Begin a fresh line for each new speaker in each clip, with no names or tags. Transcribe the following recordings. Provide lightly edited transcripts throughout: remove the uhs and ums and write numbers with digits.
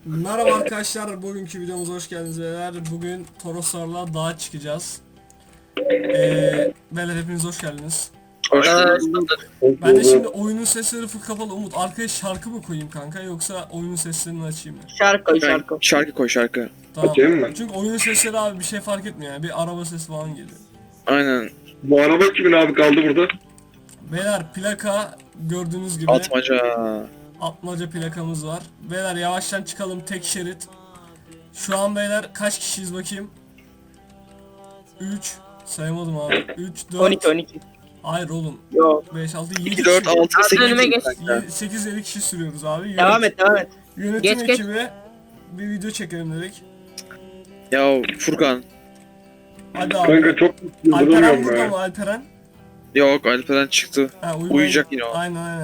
Merhaba arkadaşlar, bugünkü videomuza hoş geldiniz beyler. Bugün Toroslarla dağa çıkacağız. Beyler hepiniz hoş geldiniz.
Hoş bulduk.
Ben de şimdi oyunun sesleri full kapalı. Umut, arkaya şarkı mı koyayım kanka yoksa oyunun seslerini açayım mı?
Şarkı
Ben
şarkı.
şarkı koy şarkı.
Tamam.
Açayım mı?
Çünkü oyunun sesleri abi bir şey fark etmiyor yani. Bir araba sesi falan geliyor.
Aynen.
Bu araba kimin abi kaldı burada?
Beyler plaka gördüğünüz gibi
Atmaca.
Atmaca plakamız var. Beyler yavaştan çıkalım, tek şerit. Şu an beyler kaç kişiyiz bakayım? 3 sayamadım abi. 3 4
12.
Hayır oğlum.
Yok.
5 6 7
2, 4, 6,
Abi
8.
önüme geç.
8 7 kişi sürüyoruz abi.
Devam et.
Yönetim
Geç, geç.
ekibi bir video çekelim dedik.
Ya Furkan.
Hadi abi.
Kanka çok
Alperen
yıldırıyorum
burada
ya.
mı Alperen?
Yok, Alperen çıktı.
Ha,
Uyuyacak yine o.
Aynen.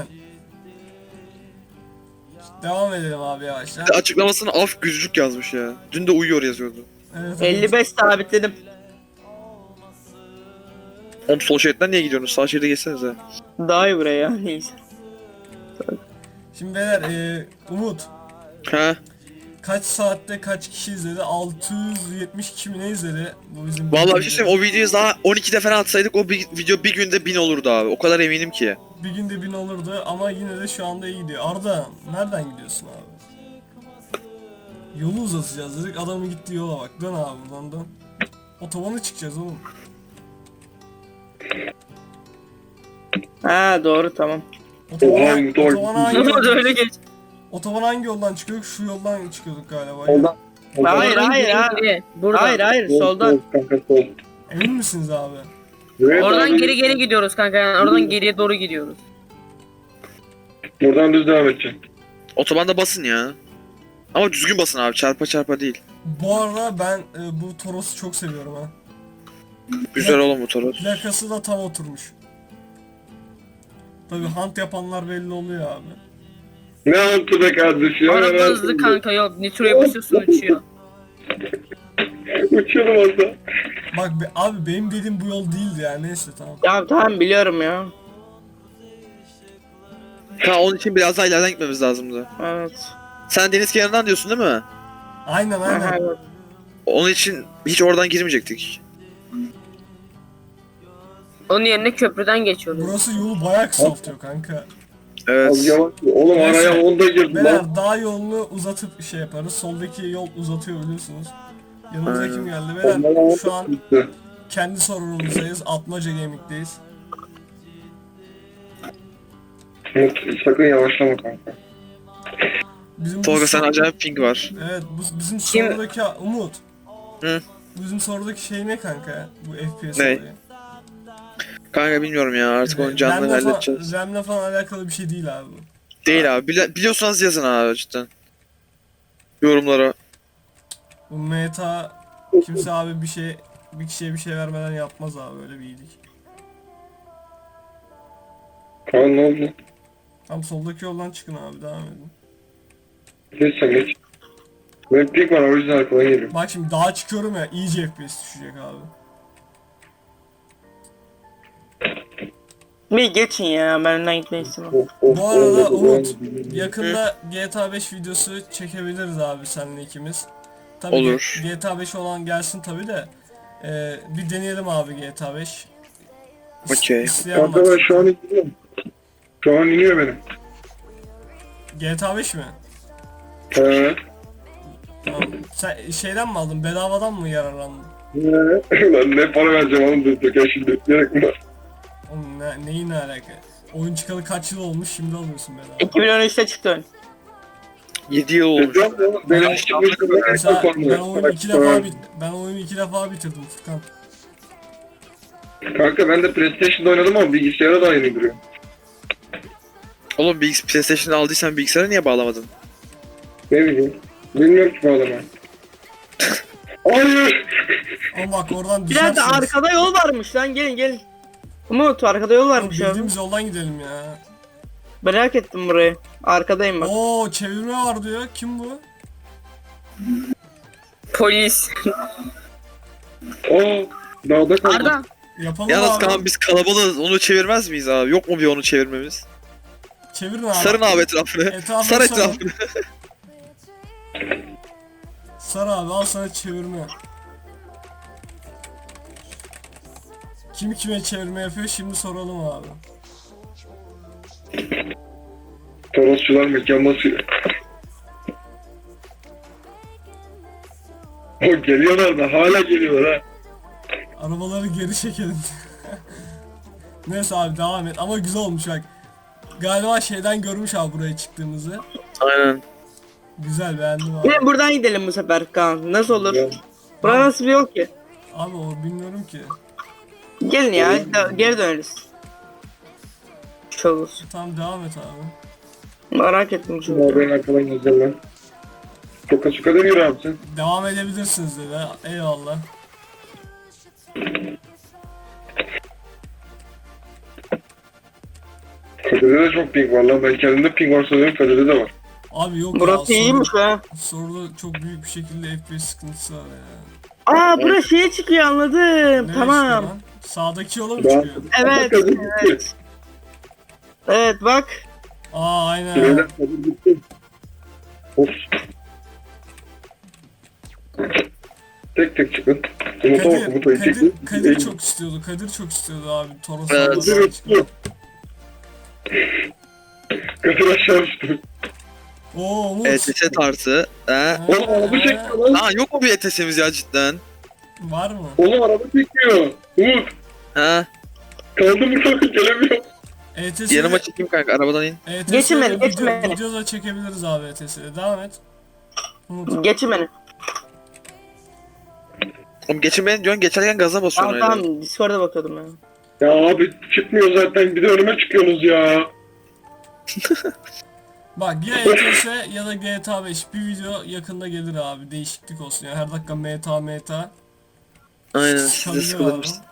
Devam edelim abi yavaşça.
Açıklamasını af güclük yazmış ya. Dün de uyuyor yazıyordu.
Evet,
55 sabitledim.
Oğlum sol şeritten niye gidiyorsunuz? Sağ şeride geçsenize.
Daha iyi buraya ya. Neyse.
Şimdi beyler Umut
Ha?
kaç saatte kaç kişi izledi? 672 mi ne izledi? Bu bizim
Vallahi bir şey söyleyeyim, o videoyu daha 12'de falan atsaydık o video bir günde 1000 olurdu abi. O kadar eminim ki.
Bir günde 1000 olurdu ama yine de şu anda iyi gidiyor. Arda nereden gidiyorsun abi? Yolu uzatacağız dedik, adamın gittiği yola bak. Dön abi buradan dön. Otobana çıkacağız oğlum.
Ha doğru tamam.
Otobana,
Doğru.
otobana hangi
Ama
yoldan,
öyle geç.
otobana hangi yoldan çıkıyorduk? Şu yoldan çıkıyorduk galiba.
Ondan.
Hayır hayır ha. Hayır soldan.
Kanka sol.
Emin misiniz abi?
Evet,
Oradan
abi.
geri gidiyoruz kanka, yani oradan geriye doğru gidiyoruz.
Buradan düz devam edeceğim.
Otobanda basın ya. Ama düzgün basın abi, çarpa çarpa değil.
Bu arada ben bu Toros'u çok seviyorum ha.
Güzel oğlum bu Toros.
Plakası da tam oturmuş. Tabi hunt yapanlar belli oluyor abi.
Ne yaptı be kardeşim?
Araba hızlı kanka, yok nitroya basıyorsun uçuyor.
Uçuyordum orada.
Bak abi benim dediğim bu yol değildi ya, neyse tamam.
Ya tamam biliyorum ya.
Ha, onun için biraz daha ileriden gitmemiz lazımdı.
Evet.
Sen deniz kenarından diyorsun değil mi?
Aynen.
Aha, evet.
Onun için hiç oradan girmeyecektik.
Onun yerine köprüden geçiyoruz.
Burası yolu bayağı kısaltıyor kanka.
Az
Evet.
yavaş. Oğlum
Neyse.
araya onda girdi lan.
Beyler dağ yolunu uzatıp şey yaparız. Soldaki yol uzatıyor biliyorsunuz. Yanımıza
Aynen.
kim geldi?
Ondan
Beyler şu an
gitti.
kendi sorunumuzdayız. Atmaca Gaming'deyiz.
Umut, sakın yavaşlama kanka.
Bizim bu
Tolga sen
sor-
acayip ping var.
Evet bizim
Kim-
sorudaki Umut.
Hı?
Bizim sorudaki şey ne kanka ya? Bu FPS
Ne?
olayı.
Kanka bilmiyorum ya, artık onu canlı
RAM'le falan-
halledeceğiz.
RAM'le falan alakalı bir şey değil abi bu.
Değil abi, biliyorsanız yazın abi cidden. Yorumlara.
Bu meta kimse abi bir kişiye bir şey vermeden yapmaz abi, öyle bir iyilik.
Kaan ne oldu?
Tam soldaki yoldan çıkın abi, devam edin.
Geç sen geç. Benim pik var, o yüzden arkadan geliyorum.
Bak şimdi dağa çıkıyorum ya, iyice FPS düşecek abi.
Bir geçin ya, ben önden gitmeyi istemem.
Bu arada Umut, yakında GTA 5 videosu çekebiliriz abi seninle ikimiz. Tabii
Olur.
GTA 5 olan gelsin tabi de. Bir deneyelim abi GTA 5.
Okey.
İsteyen
Kanka ben
var.
şu an iniyorum. Şu an iniyor benim.
GTA 5 mi? Tamam. Sen şeyden mi aldın? Bedavadan mı yararlandın?
Lan ne para vereceğim oğlum durduk ya şimdi. Gerek mi var?
Oğlum neyin ne alaka? Oyun çıkalı kaç yıl olmuş, şimdi alıyorsun bedava.
2013'te çıktı oyun.
7 yıl olmuş.
Benim işte bu kadar
Mesela
çok
ben oyunu iki defa bitirdim Furkan.
Kanka ben de PlayStation'da oynadım ama bilgisayara da aynı duruyor.
Oğlum PlayStation'ı aldıysan bilgisayara niye bağlamadın?
Ne bileyim. Bilmiyorum ki bağlama. Hayır!
Ama bak oradan
Bir dakika,
düşersiniz.
arkada yol varmış lan, gelin. Umut, arkada yol
Oğlum,
varmış abi.
bildiğimiz yoldan gidelim ya.
Merak ettim burayı. Arkadayım bak.
Oo, çevirme var diyor. Kim bu?
Polis.
Oo, dağda kaldım.
Arda.
Yapalım
Yalnız
abi.
Kaan biz kalabalığız, onu çevirmez miyiz abi? Yok mu bir onu çevirmemiz?
Çevirin abi.
Sarın abi etrafını.
Etrafını
Sar
sarın.
etrafını.
Sar abi, al sana çevirme. Kim kime çevirme yapıyor şimdi soralım abi.
Torosçular mükemmel sürüyor. O geliyorlar da hala geliyorlar ha.
Arabaları geri çekelim. Neyse abi devam et ama güzel olmuş bak. Galiba şeyden görmüş abi buraya çıktığımızı.
Aynen.
Güzel, beğendim abi.
Gelin buradan gidelim bu sefer Kaan. Nasıl olur?
Ya.
Bura nasıl bir yol ki?
Abi o bilmiyorum ki.
Gelin ya geri döneriz. Çavuz.
Tamam devam et abi.
Merak ettim
Ya
çünkü.
ben arkadan geleceğim lan. Çok açık kadar yürü abi sen.
Devam edebilirsiniz dedi. Eyvallah.
Kadir'de de çok ping var lan. Ben kendimde ping var sanıyorum. Kadir'de de var.
Abi yok
Burası
ya.
iyiymiş ha.
Soruda çok büyük bir şekilde FPS sıkıntısı var ya.
Aa burası şeye çıkıyor anladım.
Nereye
Tamam.
çıkıyor lan? Sağdaki yola mı
Ben-
çıkıyor?
Evet.
Kadir gitti.
Evet. Evet bak.
Aa aynen.
Beyler Kadir gitti. Ops. Tek tek çıkın. Umut'a bak, Umut'a
Kadir,
çekti.
Kadir çok istiyordu. Kadir çok istiyordu abi. Toros
Evet.
arabadan çıkıyor.
Kadir aşağı düştü.
Oo Umut.
ETS tarzı. He?
Oğlum araba çekiyor lan.
Aa yok mu bir ETS'imiz ya cidden?
Var mı?
Oğlum araba çekiyor. Umut.
He?
Kaldım burada gelemiyor.
ETS'de
Yanıma çekeyim kanka arabadan in.
Geçin beni, geçin beni.
Video da çekebiliriz abi ETS'de. Devam et. Umut.
Geçin beni.
Oğlum geçin beni diyorsun geçerken gaza basıyorsun
Tamam
öyle.
tamam Discord'a bakıyordum ben.
Ya abi çıkmıyor zaten. Bir de önüme çıkıyorsunuz ya.
Bak ya ETS ya da GTA 5 bir video yakında gelir abi. Değişiklik olsun ya. Her dakika meta.
Aynen siz de
Sıkabilir
sıkılır
abi.
mısın?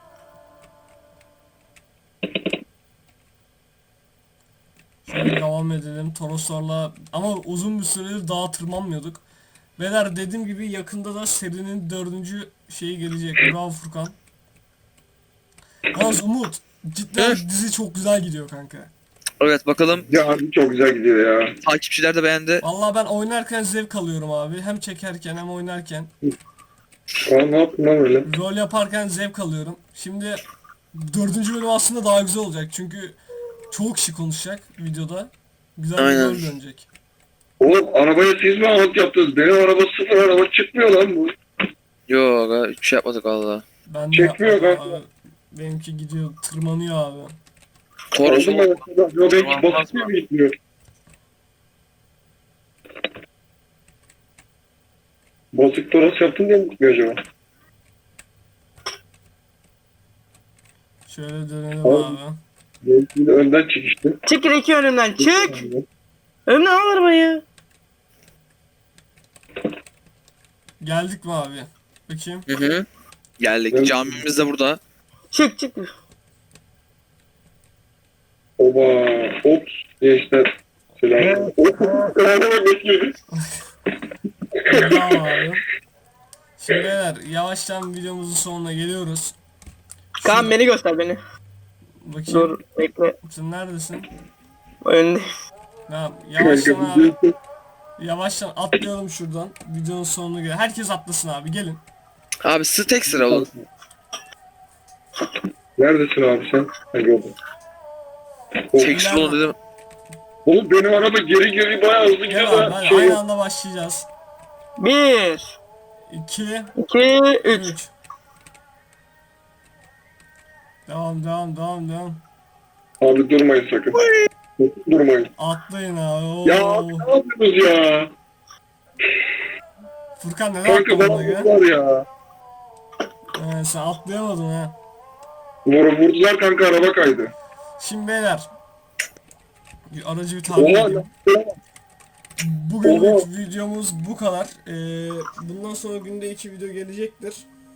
Şöyle devam edelim. Toroslarla ama uzun bir süredir dağa tırmanmıyorduk. Beyler dediğim gibi yakında da serinin 4. şeyi gelecek. Bravo Furkan. Yalnız Umut cidden dizi çok güzel gidiyor kanka.
Evet bakalım
Ya abi çok güzel gidiyor ya.
takipçiler de beğendi.
Vallahi ben oynarken zevk alıyorum abi. Hem çekerken hem oynarken.
Aa ne yaptın lan öyle?
Rol yaparken zevk alıyorum. Şimdi 4. bölüm aslında daha güzel olacak. Çünkü çok kişi konuşacak videoda. Güzel bir
Aynen.
rol dönecek.
Oğlum arabaya siz mi alt yaptınız? Benim araba sıfır araba çıkmıyor lan bu.
Yok aga hiçbir şey yapmadık valla.
Ben de
Çekmiyor
yapmadım
kanka.
abi. Benimki gidiyor, tırmanıyor abi.
Toros
Aldım ben arkadan. Yo benimki
Tamam,
basit
basma.
mi gitmiyor? Bozuk toros yaptın diye mi gitmiyor acaba?
Şöyle dönelim
Oğlum.
abi.
Benimki de önden çıkıştı.
Çık iki önümden çık. Önümden al arabayı.
Geldik mi abi? Bakayım.
Hı hı. Geldik.
Evet.
Camimiz de burada.
Çık çık.
Oba. Ops. Gençler. Selam. Ops. Selam. Bekliyoruz.
Tamam abi. Şimdi beyler yavaştan videomuzun sonuna geliyoruz.
Kaan beni göster beni.
Bakayım.
Dur bekle.
Sen neredesin?
Önünde.
Tamam. Yavaştan
Kanka,
abi.
bir-
Yavaştan atlayalım şuradan. Videonun sonuna gel. Herkes atlasın abi. Gelin.
Abi tek sıra olun.
Neredesin abi sen? Ha gördüm.
Tek sıra olun dedim.
Oğlum benim araba geri geri bayağı hızlı gidiyor
Gel abi.
da
Hadi
şey
aynı
yok.
anda başlayacağız.
1
2
2 3
3 Devam.
Abi durmayın sakın. Durmayın.
Atlayın abi. Oo.
Ya abi ne yapıyorsunuz ya?
Furkan neden
Kanka bana
atlamadın ya?
vurdular ya.
Sen atlayamadın ha.
Vurdular kanka araba kaydı.
Şimdi beyler. Bir aracı bir tahmin
Oha
edeyim.
lan.
Bugünlük videomuz bu kadar. Bundan sonra günde 2 video gelecektir.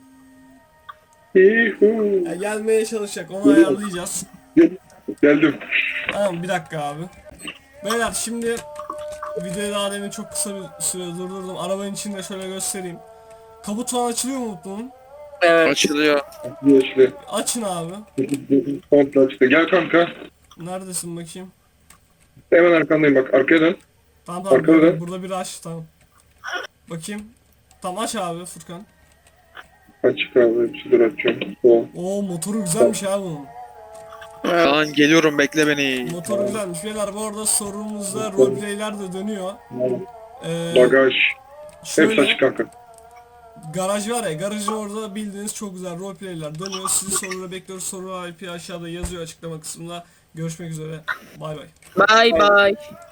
Yuhu.
Yani gelmeye çalışacak. Onu ayarlayacağız.
Geldim.
Tamam bir dakika abi. Beyler şimdi videoyu daha demin çok kısa bir süre durdurdum. Arabanın içinde şöyle göstereyim. Kaput falan açılıyor mu bunun?
Evet.
Açılıyor.
Geçti.
Açın abi.
Komple açtı. Gel kanka.
Neredesin bakayım?
Hemen arkandayım bak. Arkaya dön.
Tamam
Arkada.
burada bir aç tamam. Bakayım. Tamam aç abi Furkan.
Açık abi. Hepsi dur açıyorum. O.
Oo motoru güzelmiş abi bunun.
Kaan geliyorum bekle beni.
Motoru güzelmiş. Beyler bu arada sorumuzda roleplayler de dönüyor.
Bagaj. Hepsi
Şöyle
açık kanka.
garaj var ya, garajı orada bildiğiniz çok güzel roleplayler dönüyor. Sizi soruları bekliyoruz. Soru IP aşağıda yazıyor açıklama kısmında. Görüşmek üzere. Bay bay.
Bye bye.